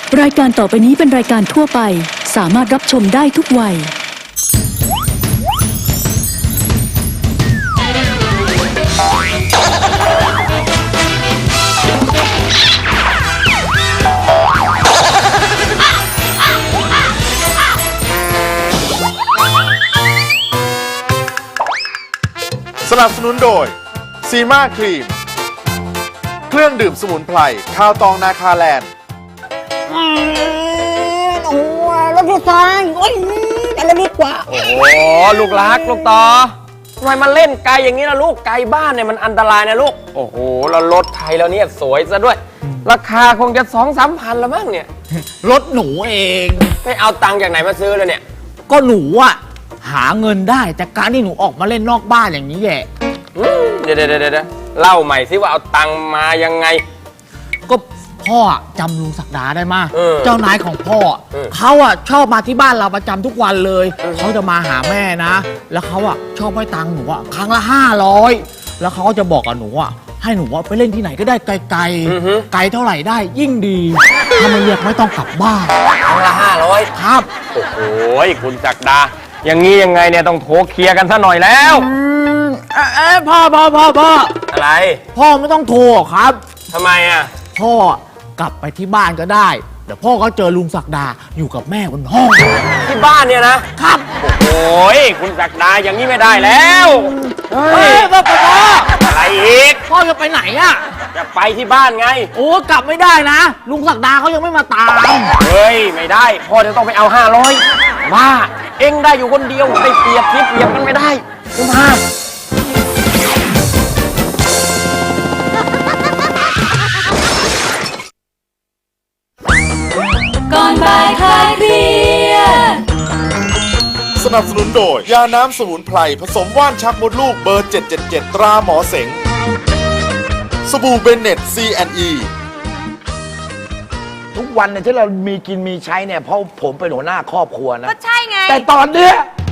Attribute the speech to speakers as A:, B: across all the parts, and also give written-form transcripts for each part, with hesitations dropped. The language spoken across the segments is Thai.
A: รายการต่อไปนี้เป็นรายการทั่วไปสามารถรับชมได้ทุกวัย
B: สนับสนุนโดยซีมาครีมเครื่องดื่มสมุนไพรข้าวตองนาคาแลนด์
C: โอ้ยรถไฟฟ้าโอ้ยอะไรดีกว่า
D: โอ้โหลูกรักลูกต่อทำไมมาเล่นไกลอย่างนี้ล่ะลูกไกลบ้านเนี่ยมันอันตรายนะลูกโอ้โหแล้วรถไทยแล้วเนี่ยสวยซะด้วยราคาคงจะ2-3 พันละมั้งเนี่ย
C: รถหนูเอง
D: ไม่เอาตังค์จากไหนมาซื้อเลยเนี่ย
C: ก็หนูอะหาเงินได้แต่การที่หนูออกมาเล่นนอกบ้านอย่างนี้แหละ
D: เดี๋ยวเล่าใหม่สิว่าเอาตังค์มายังไง
C: ก็พ่อจำลุงศักดาได้มาเจ้านายของพ่อเขาอะชอบมาที่บ้านเราประจำทุกวันเลยเขาจะมาหาแม่นะแล้วเขาอะชอบให้ตังค์หนูอะครั้งละ500แล้วเขาก็จะบอกกับหนูอะให้หนูไปเล่นที่ไหนก็ได้ไกลไกลเท่าไหร่ได้ยิ่งดีถ้าไม่เรียกไม่ต้องกลับบ้าน
D: ครั้งละ500
C: ครับ
D: โอ้โหคุณศักดาอย่างนี้ยังไงเนี่ยต้องโทรเคลียร์กันซะหน่อยแล้ว
C: พ่อ
D: อะไร
C: พ่อไม่ต้องโทรครับ
D: ทำไมอ่ะ
C: พ่อกลับไปที่บ้านก็ได้เดี๋ยวพ่อก็เจอลุงศักดาอยู่กับแม่บนห้อง
D: ที่บ้านเนี่ยนะครับโอ้ยคุณศักดาอย่างนี้ไม่ได้แล้ว
C: พ่อ
D: อะไรอีก
C: พ่อจะไปไหนอ่ะ
D: จะไปที่บ้านไง
C: โอ้กลับไม่ได้นะลุงศักดาเขายังไม่มาตาม
D: เฮ้ยไม่ได้พ่อจะต้องไปเอา500ว่าเอ็งได้อยู่คนเดียวได้เปรียบกันไม่ได้คุณพ่อ
A: ก่อนบ่ายคลายเครียด
B: สนับสนุนโดยยาน้ำสมุนไพรผสมว่านชักมดลูกเบอร์777ตราหมอเสงสบู่เบนเน็ต C&E
E: ทุกวันเนี่ยที่เรามีกินมีใช้เนี่ยเพราะผมเป็นหัวหน้าครอบครัวนะ
F: ก็ใช่ไง
E: แต่ตอนเนี้ย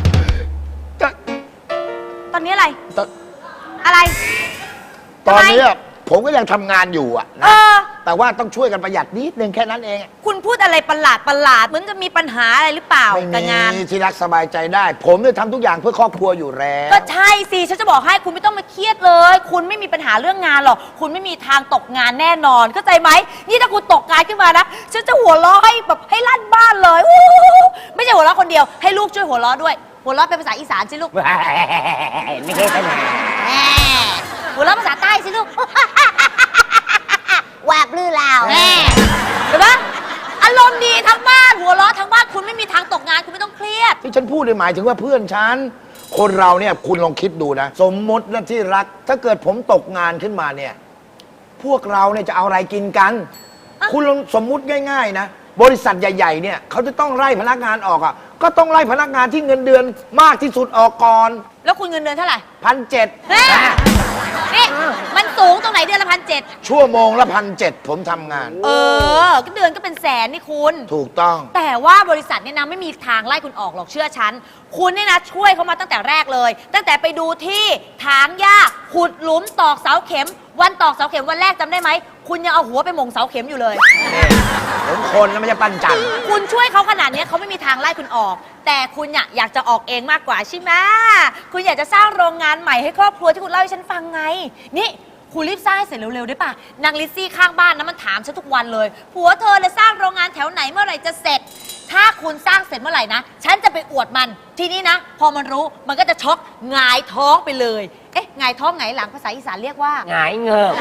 F: ตอนนี้อะไรอะไร
E: ตอนนี้ผมก็ยังทำงานอยู่อะนะแต่ว่าต้องช่วยกันประหยัดนิดนึงแค่นั้นเอง
F: คุณพูดอะไรประหลาดเหมือนจะมีปัญหาอะไรหรือเปล่ากับงาน
E: ที่รักสบายใจได้ ผมเนี่ยทำทุกอย่างเพื่อครอบครัวอยู่แล้ว
F: ก็ใช่สิฉันจะบอกให้คุณไม่ต้องมาเครียดเลยคุณไม่มีปัญหาเรื่องงานหรอกคุณไม่มีทางตกงานแน่นอนเข้าใจไหมนี่ถ้าคุณตกงานขึ้นมานะฉันจะหัวเราะให้แบบให้ลั่นบ้านเลยไม่ใช่หัวเราะคนเดียวให้ลูกช่วยหัวเราะด้วยหัวเราะเป็นภาษาอีสานสิลูก
E: ไม่ใช่ปัญหา
F: หัวเราะภาษาใต้สิลูกแหวกลื้อลาวเห็นไหมอารมณ์ดีทั้งบ้านหัวเราะทั้งบ้านคุณไม่มีทางตกงานคุณไม่ต้องเครียด
E: ที่ฉันพูดหมายถึงว่าเพื่อนฉันคนเราเนี่ยคุณลองคิดดูนะสมมตินะที่รักถ้าเกิดผมตกงานขึ้นมาเนี่ยพวกเราเนี่ยจะเอาอะไรกินกันคุณลองสมมุติง่ายๆนะบริษัทใหญ่ๆเนี่ยเขาจะต้องไล่พนักงานออกอ่ะก็ต้องไล่พนักงานที่เงินเดือนมากที่สุดออกก่อน
F: แล้วคุณเงินเดือนเท่าไหร่
E: 1,700
F: นี่มันสูงตรงไหนเดือนละ1,700
E: ชั่วโมงละ1,700ผมทำงาน
F: ก็เดือนก็เป็นแสนนี่คุณ
E: ถูกต้อง
F: แต่ว่าบริษัทเนี่ยนะไม่มีทางไล่คุณออกหรอกเชื่อฉันคุณเนี่ยนะช่วยเขามาตั้งแต่แรกเลยตั้งแต่ไปดูที่ถางหญ้าขุดหลุมตอกเสาเข็มวันตอกเสาเข็มวันแรกจำได้ไหมคุณยังเอาหัวไปหม่งเสาเข็มอยู่เลย
E: ผมคนนะไม่ใช่ปั้นจัน
F: คุณช่วยเขาขนาดนี้เขาไม่มีทางไล่คุณออกแต่คุณอยากจะออกเองมากกว่าใช่ไหมคุณอยากจะสร้างโรงงานใหม่ให้ครอบครัวที่คุณเล่าให้ฉันฟังไงนี่คุณรีบสร้างเสร็จเร็วๆได้ป่ะนางลิซซี่ข้างบ้านนะมันถามฉันทุกวันเลยผัวเธอเลยสร้างโรงงานแถวไหนเมื่อไหร่จะเสร็จถ้าคุณสร้างเสร็จเมื่อไหร่นะฉันจะไปอวดมันทีนี้นะพอมันรู้มันก็จะช็อกหงายท้องไปเลยหงายท้องหงายหลังภาษาอีสานเรียกว่า
D: หงายเงือก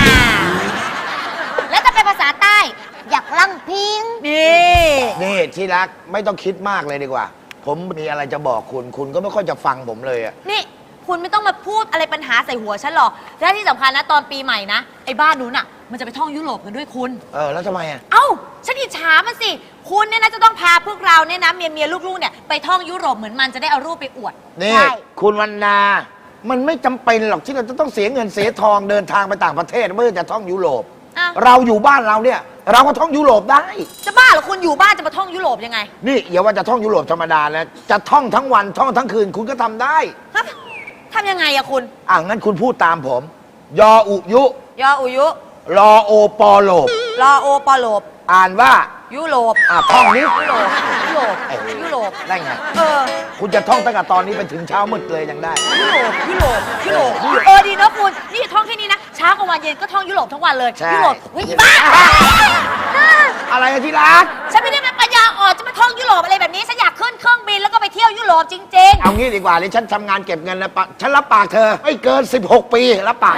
F: แล้วจะเป็นภาษาใต้อยากลั่งพิง
E: นี่ที่รักไม่ต้องคิดมากเลยดีกว่าผมมีอะไรจะบอกคุณก็ไม่ค่อยจะฟังผมเลยอ่ะ
F: นี่คุณไม่ต้องมาพูดอะไรปัญหาใส่หัวฉันหรอกและที่สำคัญนะตอนปีใหม่นะไอ้บ้านนู้นอ่ะมันจะไปท่องยุโรปกันด้วยคุณ
E: แล้วทำไมอ่ะ
F: ฉันอิจฉามันสิคุณเนี่ยนะจะต้องพาพวกเราเนี่ยนะเมียลูกๆเนี่ยไปท่องยุโรปเหมือนมันจะได้เอารูปไปอวด
E: นี่คุณวรรณามันไม่จำเป็นหรอกที่เราจะต้องเสียเงินเสียทองเดินทางไปต่างประเทศเมื่อจะท่องยุโรปเราอยู่บ้านเราเนี่ยเราก็ท่องยุโรปได้
F: จะบ้าเหรอคุณอยู่บ้านจะมาท่องยุโรปยังไง
E: นี่อย่าว่าจะท่องยุโรปธรรมดาแล้วจะท่องทั้งวันท่องทั้งคืนคุณก็ทำได้
F: ทำยังไงอะคุณ
E: งั้นคุณพูดตามผมยออุยุ
F: ยออุยุ
E: รอโอปอโลบ
F: รอโอปอโลบ
E: อ่านว่า
F: ยุโรป
E: ท่องนี้
F: ยุโรปยุโรปยุโรป
E: ได้ไง
F: เออ
E: คุณจะท่องตั้งแต่ตอนนี้ไปถึงเช้ามืดเลยยังได้
F: ยุโรปยุโรปยุโรปดีนะคุณนี่ท่องแค่นี้นะเช้ากับวันเย็นก็ท่องยุโรปทั้งวันเลย
E: ใช่
F: ยุโรปเฮ้ยบ้า
E: อะไรอะที่รัก
F: ฉันไม่ได้เป็นปัญญาอ่อนจะมาท่องยุโรปอะไรแบบนี้ฉันอยากขึ้นเครื่องบินแล้วก็ไปเที่ยวยุโรปจริง
E: เอางี้ดีกว่าเลยฉันทำงานเก็บเงินแล้วฉันรับปากเธอไม่เกิน 16 ปีรับปาก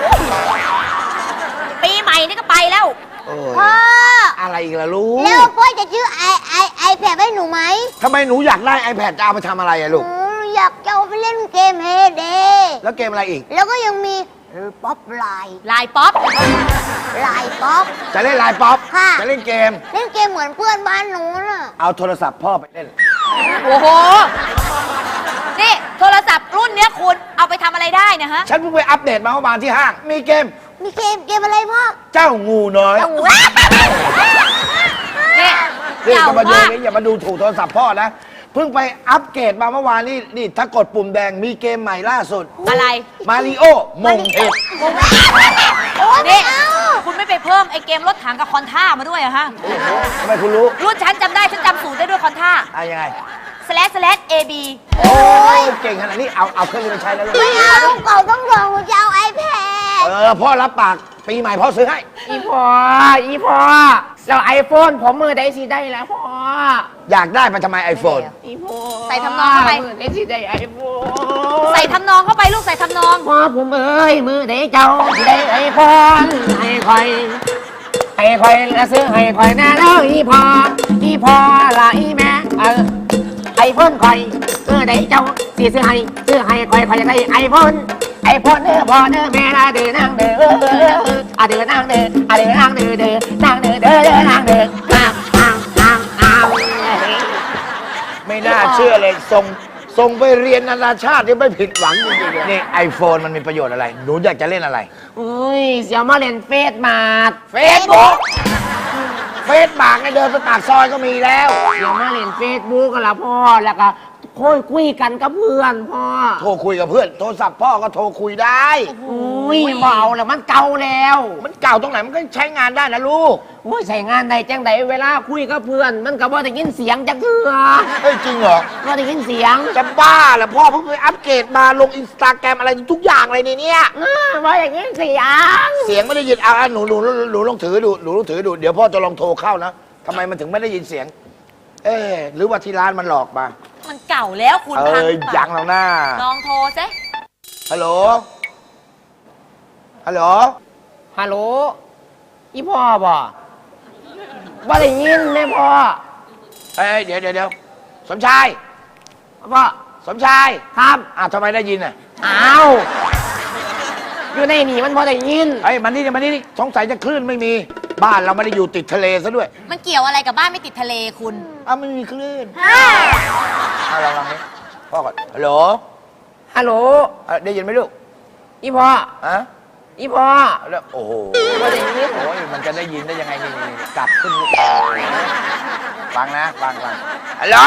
F: ๆ ปีใหม่นี่ก็ไปแล้ว
E: โอ้
G: พ่อย
E: อะไรอีกล่ะลูก
G: แล้วพ่อจะซื้อไอแพดให้หนูไหม
E: ทำไมหนูอยากได้ iPad จะเอาไปทำอะไรอะลูก
G: หนูอยากจะเอาไปเล่นเกมเฮเด
E: แล้วเกมอะไรอีก
G: แล้วก็ยังมีป๊อปไลน์
F: ลายป๊อป
G: ไลน์ป๊อป
E: จะเล่นไลน์ป๊อป
G: ค่ะ
E: จะเล่นเกม
G: เล่นเกมเหมือนเพื่อนบ้านหนูน่ะ
E: เอาโทรศัพท์พ่อไปเล่น
F: โอ้โห นี่โทรศัพท์รุ่นเนี้ยคุณเอาไปทำอะไรได้เนะฮะ
E: ฉันเพิ่งไปอัปเดตมาเมื่อวานที่ห้าง มีเกม
G: มีเกมอะไรพ่อ
E: เจ้างูน้อย
F: นี่
E: นี่
F: เก่า
E: จะมาดู
F: มาก
E: นี่อย่ามาดูถูกโทรศัพท์พ่อนะ เพิ่งไปอัปเกรดมาเมื่อวานนี่ถ้ากดปุ่มแดงมีเกมใหม่ล่าสุด
F: อะไร
E: มาริโอมงเห็ด
F: นี่คุณไม่ไปเพิ่มไอ้เกมรถถังกับคอนท่ามาด้วยเหรอะฮะ
E: ทำไมคุณรู้
F: รุ่นฉันจำได้ฉันจำสูตรได้ด้วยคอนท่า
E: ยังไง
F: /AB
E: โอ้ยเก่งขนาดนี้เอาเครื่องนี้ไปใช้แล้วลูก
G: ไม่เอาลูกเก่าต้องรองหนูจะเอาไอแพด
E: พ่อรับปากปีใหม่พ่อซื้อให้
C: อีพอแล้วไอโฟนผมมือได้สิได้แล้วพ่อ
E: อยากได้มันทำไม iPhone
C: อีพอ
F: ใส่ทำนองเข้าไป
C: มือได้สิได้ไอโฟน
F: ใส่ทำนองเข้าไปลูกใส่ทำนอง
C: พ่อผมเอ้ยมือได้เจ้าสิได้ไอโฟนให้คอยละซื้อให้คอยแน่แล้วอีพอละอีแม่ไอโฟนคอยได้เจ้าสิซื้อให้คอยอยากได้ไอโฟนเด้อพ่อเด้อแม่ละเด้อนางเด้อเด้อนางเด้อนางเด้อนางเด้อเด้อนางเด้อนาง
E: ไม่น่าเชื่อเลยส่งไปเรียนนานาชาตินี่ไม่ผิดหวังจริงๆนี่ iPhone มันมีประโยชน์อะไร หนูอยากจะเล่นอะไร
C: อุ้ยเสียวมาเล่นเฟซมาด
E: เฟซบุ๊กเนี่ยเดินไปปากซอยก็มีแล้ว
C: เสียวมาเล่นเฟซบุ๊กกันละพ่อแล้วก็คุยกันกับเพื่อนพ่อ
E: โทรคุยกับเพื่อน โทรศัพท์พ่อก็โทรคุยได้
C: อุ้ยเบาแล้วมันเก่าแล้ว
E: มันเก่าตรงไหนมันก็ใช้งานได้นะลูก
C: อุ้ยใส่งานใดจังใดเวลาคุยกับเพื่อน มันก็บ่ได้ยินเสียงจักเทือ
E: เฮ้ยจริงเหรอ
C: บ่ได้ยินเสียง
E: จะบ้าเหรอพ่อเพิ่งไปอัปเกรดมาลงอินสตาแกรมอะไรทุกอย่างเลยในเนี่ย
C: บ่ได้ยินเสียง
E: เสียงไม่ได้ยินหนูลองถือดูเดี๋ยวพ่อจะลองโทรเข้านะทำไมมันถึงไม่ได้ยินเสียง หรือว่าที่ร้านมันหลอกมา
F: มันเก่าแล้วคุณพังหรือเปล่า
E: ยังแล้วนะ
F: ลองโทรซิ
E: ฮัลโหลฮัลโหล
C: ฮัลโหลอีพ่อบ่ได้ยินแม่พ่อ
E: เดี๋ยวสมชาย
C: พ่อ
E: สมชาย
C: ครับ
E: ทำไมได้ยินอ่ะ
C: อ้าวอยู่ในนี่มันบ่ได้ยิน
E: มันนี่สงสัยจะคลื่นไม่มีบ้านเราไม่ได้อยู่ติดทะเลซะด้วย
F: มันเกี่ยวอะไรกับบ้านไม่ติดทะเลคุณ
E: ไม่มีคลื่นลองนี้พ่อก่อนฮัลโหล
C: ฮัลโหล
E: ได้ยินไหมลูก
C: อีพ่อ อีพ่อ
E: แล้วโอ้โห
C: บ่ได้ยิน
E: โอ้ยมันจะได้ยินได้ยังไงนี่กลับขึ้นฟังนะฟังฮัลโหล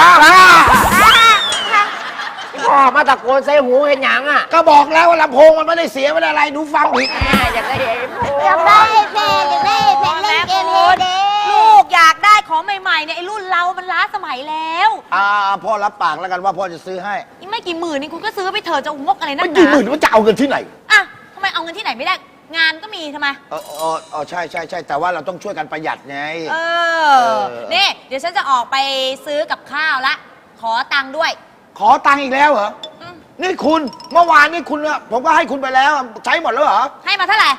C: อีพ่อมาตะโกนใส่หูเห็นหยังอ่ะ
E: ก็บอกแล้วว่าลำโพงมันไม่ได้เสียไม่ได้อะไรหนูฟังผิด
C: อยากได้ไอโฟน
G: อยากได้ไอแพดเล่นเกมเฮเด
F: ลูกอยากได้ของใหม่ๆเนี่ยไอ้รุ่นเรามันล้าสมัยแล้ว
E: พ่อรับปากแล้วกันว่าพ่อจะซื้อให้
F: อีกไม่กี่หมื่นนี่คุณก็ซื้อไปเถอะจะงกอะไรนั
E: ไม่
F: กห
E: กี่
F: นา
E: หมื่นมันจะเอาเงินที่ไหน
F: อ่ะทำไมเอาเงินที่ไหนไม่ได้ งานก็มีทำไม
E: ใช่แต่ว่าเราต้องช่วยกันประหยัดไง
F: นี่เดี๋ยวฉันจะออกไปซื้อกับข้าวละ ขอตังค์ด้วย
E: ขอตังค์อีกแล้วเหรอ นี่คุณเมื่อวานนี่คุณผมก็ให้คุณไปแล้วใช้หมดแล้วเหรอ
F: ให้มาเท่าไหร่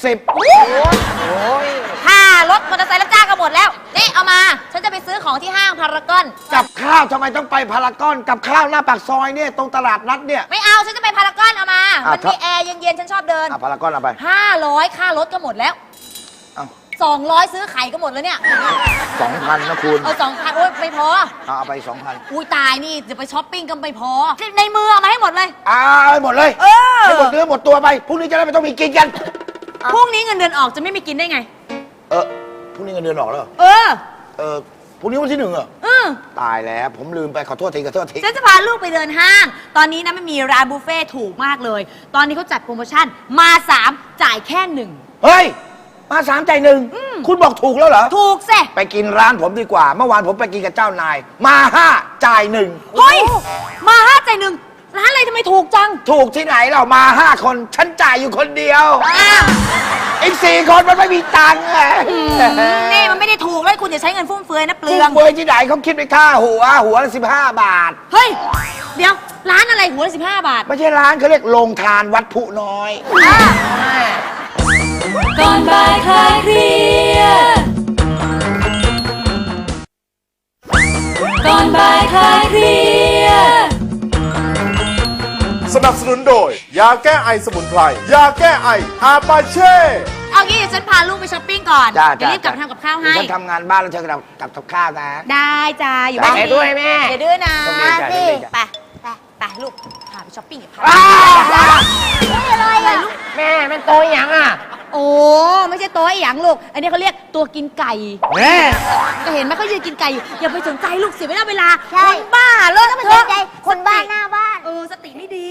E: 70
F: ค่ารถมอเตอร์ไซค์รับจ้างก็หมดแล้ว นี่เอามา ฉันจะไปซื้อของที่ห้างพารากอน
E: กับข้าวทำไมต้องไปพารากอนกับข้าวหน้าปากซอยเนี่ยตรงตลาดนัดเนี่ย
F: ไม่เอา ฉันจะไปพารากอนเอามา มันมี
E: ครับ
F: แอร์เย็นๆ ฉันชอบเดิน
E: พารากอนเอาไป
F: 500 ค่ารถก็หมดแล้ว
E: เอ้า
F: 200 ซื้อไข่ก็หมดแล้วเนี่ย
E: 2,000นะคุณ
F: 2,000 โอ๊ยไม่พอ
E: เอาไป 2,000
F: อุ้ยตายนี่จะไปช้อปปิ้งก็ไม่พอ ในมือเอามาให้หมดเลย
E: เอาไปหมดเลย ให้หมดเนื้อหมดตัวไปพรุ่งนี้จะได้ไม่ต้องมีกินกัน
F: พรุ่งนี้เงินเดือนออกจะไม่มีกินได้ไง
E: พรุ่งนี้เงินเดือนออกแล้วเหรอ พรุ่งนี้วันที่ 1เหรอ ตายแล้วผมลืมไปขอโทษที
F: ฉันจะพาลูกไปเดินห้าง ตอนนี้นะมันมีร้านบุฟเฟ่ต์ถูกมากเลย ตอนนี้เขาจัดโปรโมชั่นมา 3 จ่ายแค่ 1
E: เฮ้ยมา3 จ่าย 1คุณบอกถูกแล้วเหรอ
F: ถูกสิ
E: ไปกินร้านผมดีกว่า เมื่อวานผมไปกินกับเจ้านาย มา 5 จ่าย 1
F: เฮ้ย มา5 จ่าย 1ร้านอะไรทำไมถูกจัง
E: ถูกที่ไหนเรามา 5 คน ฉันจ่ายอยู่คนเดียว
F: อ้าว
E: อีก 4 คนมันไม่มีตังค์ไง
F: นี่มันไม่ได้ถูกเลยคุณอย่าใช้เงินฟุ่มเฟือยนะเปลื
E: ฟุ่
F: อ
E: ม
F: ง
E: เฟือยที่ไหนเขาคิดไปค่าหัวละ15 บาท
F: เฮ้ย เดี๋ยว ร้านอะไรหัวละ15 บาท
E: ไม่ใช่ร้านเขาเรียกโรงทานวัดผู้น้อย
A: ก่อนบ่ายคลายเครียดก่อนบ่ายคลายเครียด
B: สนับสนุนโดย ยาแก้ไอสมุนไพร ยาแก้ไออาปาเช่
F: เอางี้เดี๋ยวฉันพาลูกไปช้อปปิ้งก่อน
E: จ้า
F: เดี๋ยวรีบกลับมาทำกับข้าวให้
E: ฉันทำงานบ้านแล้วเธอกลับกับข้าวนะ
F: ได้จ้า อยู่บ้าน
D: ไปด้วยแม่
F: อย่าดื้อนะ
E: ต้องดีจ้ะ
F: สิ
E: ต้องดีจ้ะ
F: ไปลูก พาไปช้อปปิ้งกับพา
G: อะไรอ่ะ
D: แม่เป็นโตอย่างอ่ะ
F: โอ้ ไม่ใช่ตัวไอ้หยังลูก อันนี้เขาเรียกตัวกินไก่
D: แม่
F: ก็เห็นไหมเขายืนกินไก่อยู่ อย่าไปสนใจลูกเสียเวลา
G: ใช่
F: คนบ้าเลอะ
G: ต้องไป
F: เท
G: สน
F: อะ
G: ใจคนบ้านหน้าบ้าน
F: สติไม่ดี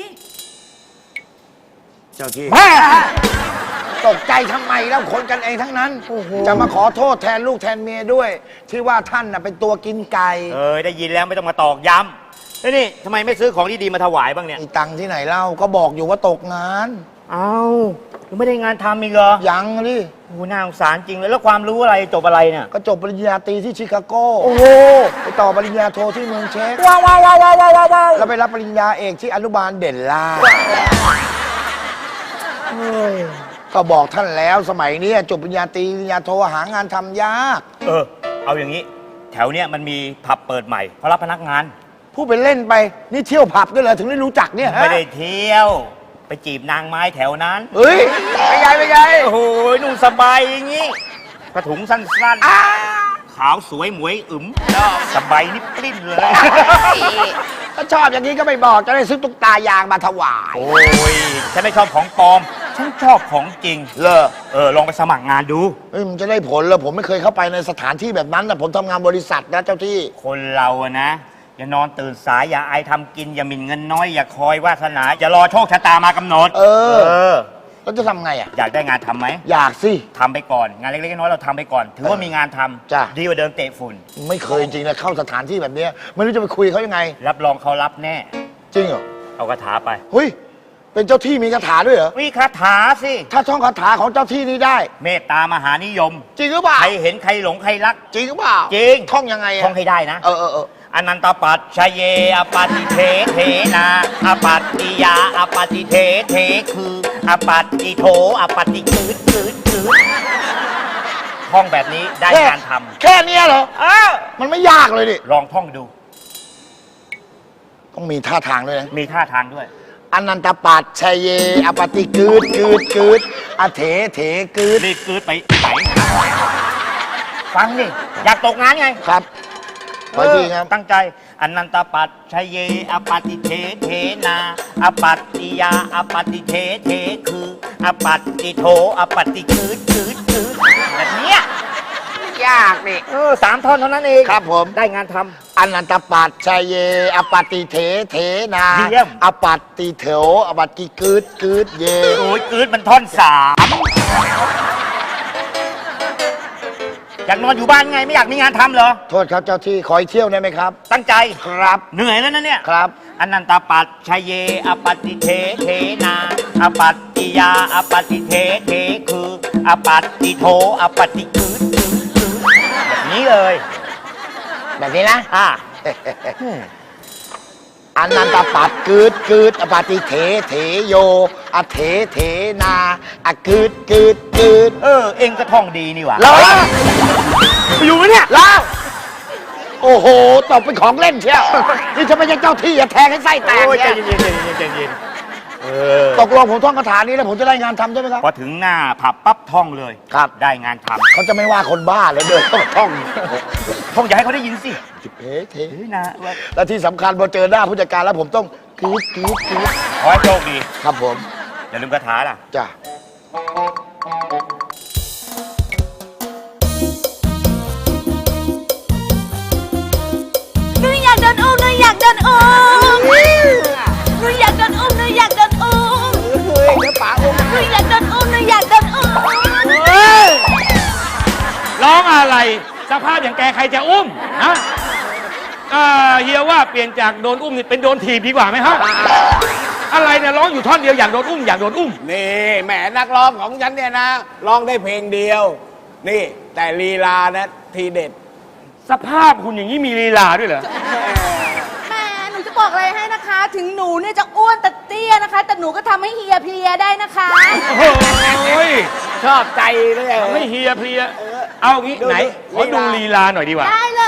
E: เจ้าที่
D: แม่
E: ตกใจทำไมแล้วคนกันเองทั้งนั้น จะมาขอโทษแทนลูกแทนเมียด้วย ที่ว่าท่านน่ะเป็นตัวกินไก่
H: ได้ยินแล้วไม่ต้องมาตอกย้ำแล้วนี่ทำไมไม่ซื้อของดีๆมาถวายบ้างเนี่ย
E: มีตังค์ที่ไหนเล่าก็บอกอยู่ว่าตกงาน
H: เอ้ายังไม่ได้งานทำอีกเหรอ
E: ยังดิ
H: โอ้น่าสงสารจริงเลยแล้วความรู้อะไรจบอะไรเนี่ย
E: ก็จบปริญญาตรีที่ชิคาโก
H: โอ้โห
E: ไปต่อปริญญาโทที่เมืองเช็ก
H: ว้าวว้าวว้าวว้าวว้าวว้าว
E: แล้วไปรับปริญญาเอกที่อนุบาลเด่นล่าก็บอกท่านแล้วสมัยนี้จบปริญญาตรีปริญญาโทหางานทำยาก
H: เอาอย่างนี้ แถวเนี้ยมันมีผับเปิดใหม่เขารับพนักงาน
E: พูดไปเล่นไปนี่เที่ยวผับด้วยเหรอถึงได้รู้จักเนี่ยฮะ
H: ไม่ได้เที่ยว ไปจีบนางไม้แถวนั้น
E: เฮ้ยไปไงไปไง
H: โอ้โหนุ่งสบายอย่างงี้กระถุงสั้นๆขาวสวยหมวยอึมสบายนิบปลิ้นเลย
E: ถ้าชอบอย่างนี้ก็ไม่บอกจะได้ซื้อตุ๊กตายางมาถวาย
H: โอ้ยฉันไม่ชอบของปลอม ฉันชอบของจริง
E: เลอ
H: ลองไปสมัครงานดู
E: เฮ้ยมันจะได้ผลเหรอผมไม่เคยเข้าไปในสถานที่แบบนั้นนะผมทำงานบริษัทนะเจ้าที่
H: คนเราอะนะ อย่านอนตื่นสาย อย่าอายทำกิน อย่าหมิ่นเงินน้อย อย่าคอยวาสนา อย่ารอโชคชะตามากำหนด
E: เออ
H: เออ
E: แล้วจะทำไงอ่ะ
H: อยากได้งานทำไหม
E: อยากสิ
H: ทำไปก่อน งานเล็กๆน้อยๆเราทำไปก่อน ถือว่ามีงานทำ
E: จ้ะ
H: ดีกว่าเดินเตะฝุ่น
E: ไม่เคยจริงๆนะเข้าสถานที่แบบเนี้ยไม่รู้จะไปคุยเขายังไง
H: รับรองเขารับแน่
E: จริงเหรอ
H: เอาคาถาไป
E: เฮ้ยเป็นเจ้าที่มีคาถาด้วยเหรอ
H: วิคาถาสิ
E: ถ้าท่องคาถาของเจ้าที่นี้ได้
H: เมตตามหานิยม
E: จริงหรือเปล่า
H: ใครเห็นใครหลงใครรัก
E: จริงหรือเปล่า
H: จริง
E: ท่องยังไงอะ
H: ท่องให้ได้นะ
E: เออ
H: อนันตปัจชเยอปาติเทเทนาอปัตติยาอปาติเทเทคืออปัตติโทอปาติคืดท่องแบบนี้ได้งานท
E: แค่เนี้ยเหรอ
H: ำ
E: มันไม่ยากเลยดิ
H: ลองท่องดู
E: ต้องมีท่าทางด้วยนะ
H: มีท่าทางด้วย
E: อนันตปัจชยเยอปฏิกืดอเถกืด
H: รีบกืดไปไหนฟังดิอยากตกงานไง
E: ครับขอทีครับ
H: ตั้งใจอนันตปัจชเยอปาติเทเทนาอปัตติยาอปาติเทเทคืออปัตติโทอปาติคืดแบบเนี้ย
E: ยากนี่
H: 3 ท่อนเท่านั้นเอง
E: ครับผม
H: ได้งานทำ
E: อนันตปัจชยเยอปฏิเถนา
H: เยี่ยม
E: อปัตติเถวอปัตติกืดเย
H: โอ้ยกืดมันท่อน 3อยากนอนอยู่บ้านไงไม่อยากมีงานทำเหรอ
E: โทษครับเจ้าที่ขออีกเที่ยวได้ไหมครับ
H: ตั้งใจ
E: ครับ
H: เหนื่อยแล้วนะเนี่ย
E: ครับ
H: อนันตปัจชเยอปฏิเทเทนาอปัตติยาอปฏิเทเทคืออปัตติโทอปฏิกืดแบบนี้เลย
E: แบบนี้นะ
H: อ
E: นันตปัดกืดอปฏิเถโยอเถนาอกืด
H: เองก็ท่องดีนี่หว่า
E: แล้ว
H: อยู่ไหมเนี่ย
E: แล้วโอ้โหตบเป็นของเล่นเชียวนี่จะไม่ใช่เจ้าที่อย่าแทงให้ไส้แตก
H: โอ้ยใจ
E: เนี่ย
H: เย็น
E: ตกลงผมท่องคาถานี้แล้วผมจะได้งานทำใช่ไหมครับ
H: พอถึงหน้าผับปั๊บท่องเลย
E: ครับ
H: ได้งานทำ
E: เขาจะไม่ว่าคนบ้าเลยเดินเข้ามาท่อง
H: ท่องอย่าให้เขาได้ยินสิ
E: เถ
H: เฮ้ยนะว่า
E: และที่สำคัญพอเจอหน้าผู้จัดการแล้วผมต้องกืด
H: ขอให้โชคดี
E: ครับผม
H: อย่าลืมคาถาล่ะ
E: จ้ะ
F: หนูอยากเดินอุ้มหนูอยากเดินอุ้มหนูอยากเดินอุ้มหนูอยากเดินอุ้ม
E: เฮ้ยเดี๋ยวป๋าอุ้ม
F: หนูอยากเดินอุ้มหนูอยากเดินอุ้ม
D: อะไรสภาพอย่างแกใครจะอุ้มนะเฮียว่าเปลี่ยนจากโดนอุ้มนี่เป็นโดนถีบดีกว่าไหมฮะอะไรเนี่ยร้องอยู่ท่อนเดียวอยากโดนอุ้มอยากโดนอุ้ม
I: นี่แหมนักร้องของฉันเนี่ยนะร้องได้เพลงเดียว นี่แต่ลีลานะทีเด็ด
D: สภาพคุณอย่างนี้มีลีลาด้วยเหรอ
F: แม่หนูจะบอกอะไรให้นะคะ ถึงหนูเนี่ยจะอ้วนแต่เตี้ยนะคะ แต่หนูก็ทำให้เฮียเพลียได้นะคะ
D: โอ้ย
I: ชอบใจเลย
D: ไม่เฮียเพลียเอางี้ไหนขอดูลีลาหน่อยดีกว่า
F: ได้เลย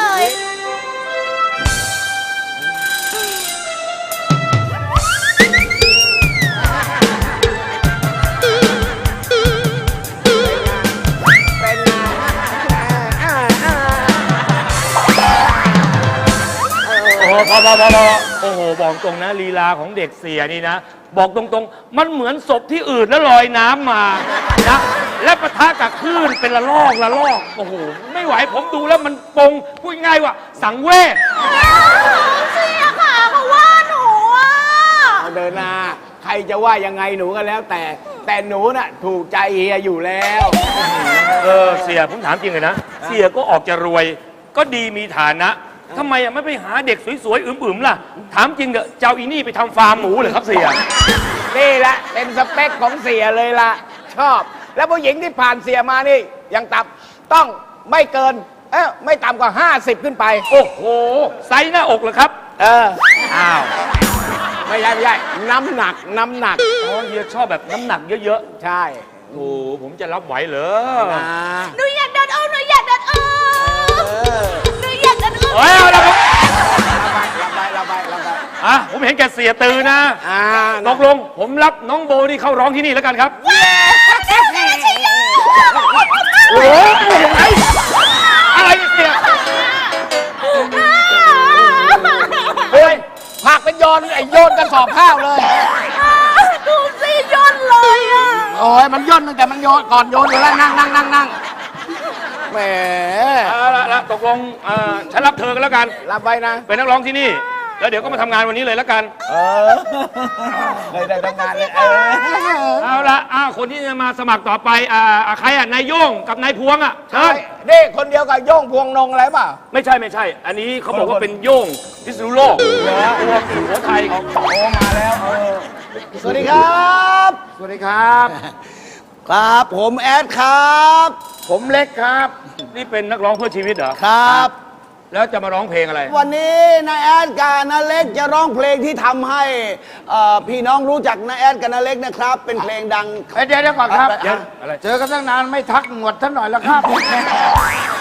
D: โอ้โหพอโอ้โหบอกตรงนะลีลาของเด็กเสียนี่นะ บอกตรงๆ มันเหมือนศพที่อื่นแล้วลอยน้ำมานะและปะทะกับคลื่นเป็นละลอกโอ้โหไม่ไหวผมดูแล้วมันปงพูดง่ายว่าสังเวช
F: เสียค่ะเขาว่าหนูอ่ะ
I: เอาเดินหน้าใครจะว่ายังไงหนูก็แล้วแต่หนูน่ะถูกใจเฮียอยู่แล้ว
D: เสียผมถามจริงเลยนะเสียก็ออกจะรวยก็ดีมีฐานะทำไมไม่ไปหาเด็กสวยๆอึมๆล่ะถามจริงเถอะเจ้าอีนี่ไปทำฟาร์มหมูเหรอครับเสีย
I: นี่แหละเป็นสเปคของเสียเลยล่ะ ชอบ แล้วผู้หญิงที่ผ่านเสียมานี่ยังต่ำต้องไม่เกินไม่ต่ำกว่า 50 ขึ้นไป
D: โอ้โหไซส์หน้าอกเหรอครับ อ้าว
I: ไม่ใช่น้ำหนัก
D: อ๋อเฮียชอบแบบน้ำหนักเยอะ
I: ใช่
D: ๆโอ้ผมจะรับไหวเหรอ
I: นะ
F: หนูอยากโดนอุ้มหนูอยากโดนอุ้มหนูอยากโดนอุ้ม
D: เฮ้ยเอาละครับ
I: ระบาย
D: ผมเห็นแกเสียตือนะตกลงผมรับน้องโบนี่เข้าร้องที่นี่แล้วกันครับโอ้ยอะไรเนี่ยเสียเฮ้ย
I: ผักเป็นโยนกระสอบข้าวเลย
F: ดูสิย่นเลยอ่ะ
I: โอ้ยมันย่นตั้งแต่มันโยนก่อนโยนอยู่แล้วนั่งแหม
D: เอาละตกลงฉันรับเธอกันแล้วกัน
I: รับไว้นะ
D: เป็นนักร้องที่นี่ แล้วเดี๋ยวก็มาทำงานวันนี้เลยแล้วกัน
I: เลยได้ทำงานเลย
D: เอาละคนที่จะมาสมัครต่อไปใครนายโย่งกับนายพวงเชิญ
I: นี่คนเดียวกับโย่งพวงนงอะไรเปล่า
D: ไม่ใช่ อันนี้เขาบอกว่าเป็นโย่งพิษณุโลกพวงสุโขทัย
I: โตมาแล้ว
E: สวัสดีครับ
D: สวัสดีครับ
E: ครับผมแอดครับ
D: ผมเล็กครับ นี่เป็นนักร้องเพื่อชีวิตเหรอ
E: ครับ
D: แล้วจะมาร้องเพลงอะไร
E: วันนี้นาแอดกับนาเล็กจะร้องเพลงที่ทำให้พี่น้องรู้จักนาแอดกับนาเล็กนะครับ เป็นเพลงดัง
I: เดี๋ยวก่อนครับ
D: อะไร
I: เจอกันตั้งนานไม่ทักหนวดท่านหน่อยแล้วครับ